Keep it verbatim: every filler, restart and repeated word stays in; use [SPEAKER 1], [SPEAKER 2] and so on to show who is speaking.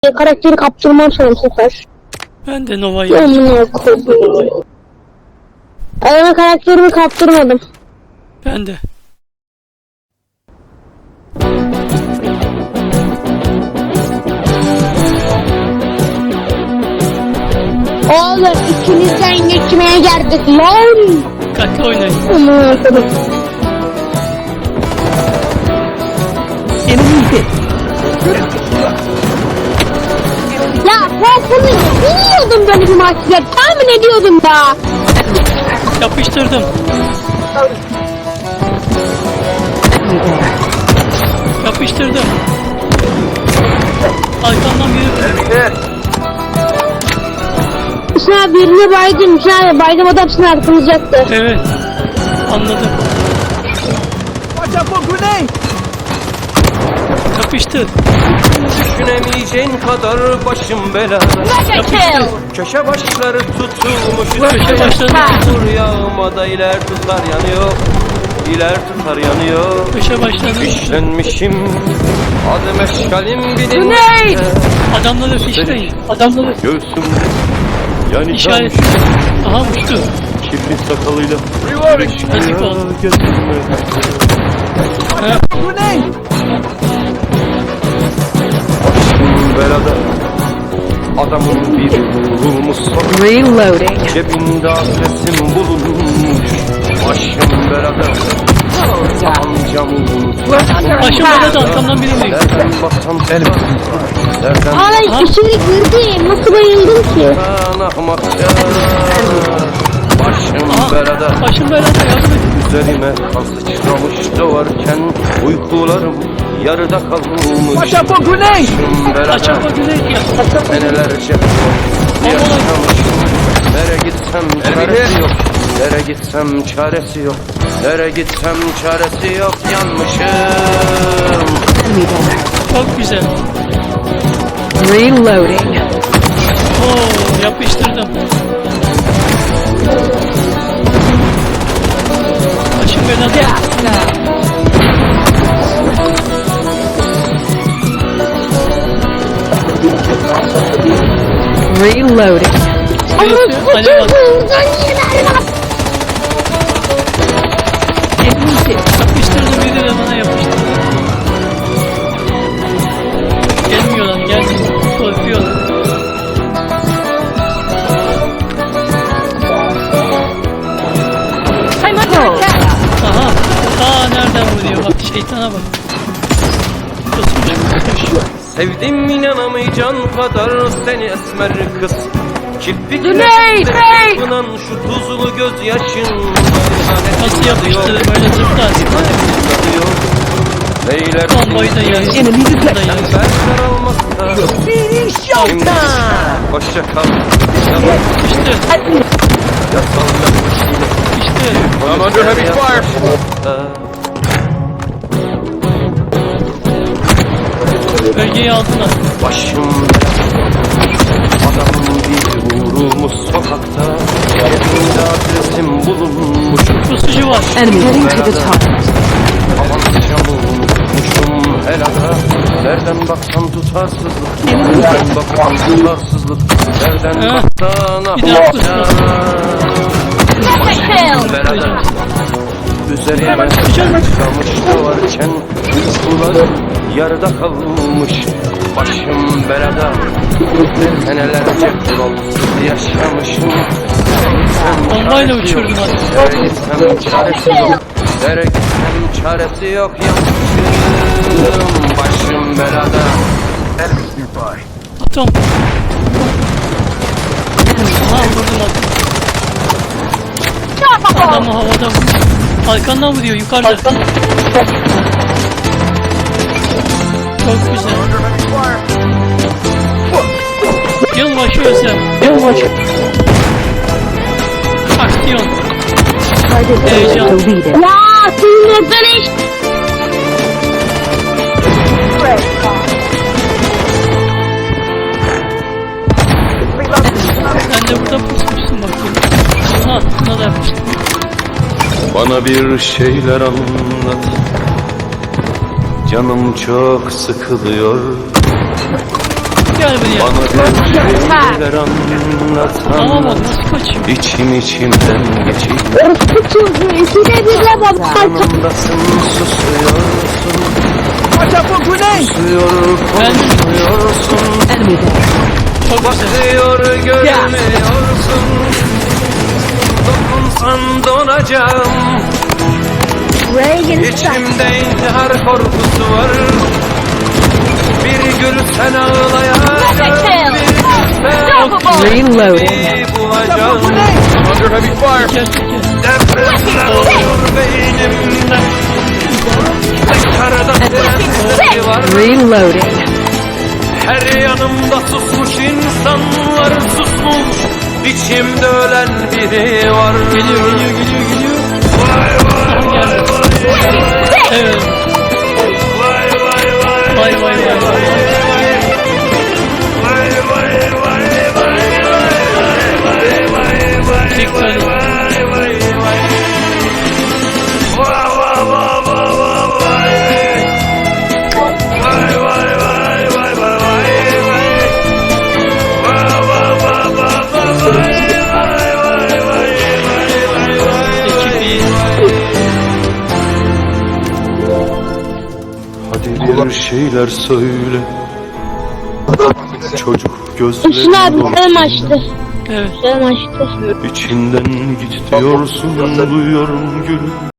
[SPEAKER 1] Karakteri kaptırmam sana bu sefer.
[SPEAKER 2] Ben de Nova'yı
[SPEAKER 1] Amına koydum. Adama karakterimi kaptırmadım.
[SPEAKER 2] Ben de.
[SPEAKER 1] Oğlum ikinizden geçmeye geldik lan.
[SPEAKER 2] Dikkatli oynayın.
[SPEAKER 1] Amına koydum. Ya ben bunu biliyordum böyle bir maçta. Tahmin ediyordum da.
[SPEAKER 2] Yapıştırdım. Yapıştırdım. Arkamdan biri.
[SPEAKER 1] Sen birini baydım. Sen baydım adam seni arkamızacaktı.
[SPEAKER 2] Evet. Anladım. Yapıştır.
[SPEAKER 3] Düşünemeyeceğin kadar başım belada.
[SPEAKER 2] Yapıştır.
[SPEAKER 3] Köşe başları tutulmuş.
[SPEAKER 2] Köşe başları
[SPEAKER 3] Dur yağmada iler tutar yanıyor. İler tutar yanıyor.
[SPEAKER 2] Köşe başladı.
[SPEAKER 3] Fişlenmişim. Adım eşkalim bilin.
[SPEAKER 1] Ne?
[SPEAKER 2] Adamları fişleyin. Adamları
[SPEAKER 3] Göğsüm yani
[SPEAKER 2] işaret. Aha uçtu.
[SPEAKER 3] kirli sakalıyla.
[SPEAKER 2] Yazık oldu.
[SPEAKER 3] Gözüme.
[SPEAKER 2] Ha,
[SPEAKER 3] Başım belada. Adamın bir vurulmuş sokak.
[SPEAKER 4] Reloading.
[SPEAKER 3] Cebinde adresim bulunmuş. Başım belada. Amcamı unutma.
[SPEAKER 2] başım belada, arkamdan biri mi?
[SPEAKER 3] Nereden baksam elim. Nereden
[SPEAKER 1] Ay içeri girdim. Nasıl bayıldım ki?
[SPEAKER 3] baksam ahmakça. Başım
[SPEAKER 2] Aha,
[SPEAKER 3] belada.
[SPEAKER 2] başım belada, yardım et.
[SPEAKER 3] Üzerime kan sıçramış doğarken uykularım yarıda kalmış. Başım belada.
[SPEAKER 2] Açar bak güzel ya.
[SPEAKER 3] Senelerce yaşamışım. Nereye gitsem çaresi yok. Nereye gitsem çaresi yok. Nereye gitsem çaresi yok. Yanmışım.
[SPEAKER 2] Çok güzel.
[SPEAKER 4] Reloading.
[SPEAKER 2] Oo, yapıştırdım. Başım belada.
[SPEAKER 4] Reloading.
[SPEAKER 2] Birisi alev attı. Yapıştırdım, biri de bana yapıştırdı. Gelmiyor lan, gelmiyor. Korkuyor. Aha. Aa, nereden vuruyor bak, şeytana bak. Kusmuş.
[SPEAKER 3] Sevdim inanamayacağın kadar seni esmer kız. Kirpikle
[SPEAKER 4] Güney, Güney!
[SPEAKER 3] kınan şu tuzlu gözyaşın.
[SPEAKER 2] Nasıl yapıştırdı böyle zıplar.
[SPEAKER 3] Neyler
[SPEAKER 2] Bombayı da yer.
[SPEAKER 4] Enemy
[SPEAKER 2] Bunu da
[SPEAKER 4] detected.
[SPEAKER 2] yer.
[SPEAKER 3] Çemberler olmazsa
[SPEAKER 4] Finish
[SPEAKER 3] hoşça kal.
[SPEAKER 2] İşte,
[SPEAKER 3] Yasal
[SPEAKER 2] işte.
[SPEAKER 3] I'm under heavy fire.
[SPEAKER 2] Bölgeyi aldılar.
[SPEAKER 3] Başım adamın bir vurulmuş sokakta. Cebimde adresim bulunmuş.
[SPEAKER 2] Pusucu var.
[SPEAKER 4] Enemy heading to the top.
[SPEAKER 3] Avançamı unutmuşum helada. Nereden baksan tutarsızlık. Nereden baksan tutarsızlık. Nereden
[SPEAKER 2] Ha,
[SPEAKER 3] baksan
[SPEAKER 2] bir daha
[SPEAKER 3] ahmakça. Başım belada. Üzerime çıkamış doğarken uykularım yarıda kalmış. Başım belada. Senelerce kuralsız yaşamışım.
[SPEAKER 2] Bombayla uçurdum hadi.
[SPEAKER 3] Nereye gitsem çaresi yok. Nereye gitsem çaresi yok. Yanmışım. Başım belada.
[SPEAKER 2] Atom. Aha, vurdum atom. Adamı havada vurdu. Arkandan vuruyor, yukarıda. Çok güzel. Yılbaşı özlem. Yılbaşı. Aksiyon. Heyecan.
[SPEAKER 4] Deleted.
[SPEAKER 1] Ya sinirden iş.
[SPEAKER 2] Sen de burada pusmuşsun bakayım. Aha, buna da yapmıştım.
[SPEAKER 3] Bana bir şeyler anlat. Canım çok sıkılıyor.
[SPEAKER 2] yani bunu ya.
[SPEAKER 3] Bana bir şeyler
[SPEAKER 2] Aa
[SPEAKER 3] anlatsan
[SPEAKER 2] bak nasıl kaçıyor.
[SPEAKER 3] İçim içimden geçip
[SPEAKER 1] Orospu çocuğu ikide bir de baba.
[SPEAKER 3] yanımdasın susuyorsun Susuyor
[SPEAKER 2] Ben-
[SPEAKER 3] konuşmuyorsun
[SPEAKER 4] Enemy there.
[SPEAKER 2] Çok güzel.
[SPEAKER 3] Bakıyor görmüyorsun Dokunsan donacağım
[SPEAKER 1] Reagan
[SPEAKER 3] İçimde intihar korkusu var Bir gül sen ağlayacaksın
[SPEAKER 4] Reloading.
[SPEAKER 3] Bir bulacağım
[SPEAKER 2] Çeker çeker.
[SPEAKER 3] Depremler olur beynimde Tekrarda sesleri var
[SPEAKER 4] Reloading.
[SPEAKER 3] Her yanımda susmuş insanlar susmuş İçimde ölen biri var
[SPEAKER 2] Geliyor geliyor geliyor geliyor. Evet. Vay vay vay vay. Dikkat. Ekip iyi.
[SPEAKER 3] Hadi bir şeyler söyle Çocuk
[SPEAKER 1] Hüsnü abi
[SPEAKER 3] gözlerin
[SPEAKER 1] kalem açtı.
[SPEAKER 2] Evet.
[SPEAKER 1] Kalem açtı.
[SPEAKER 3] İçimden git diyorsun duyuyorum gülüm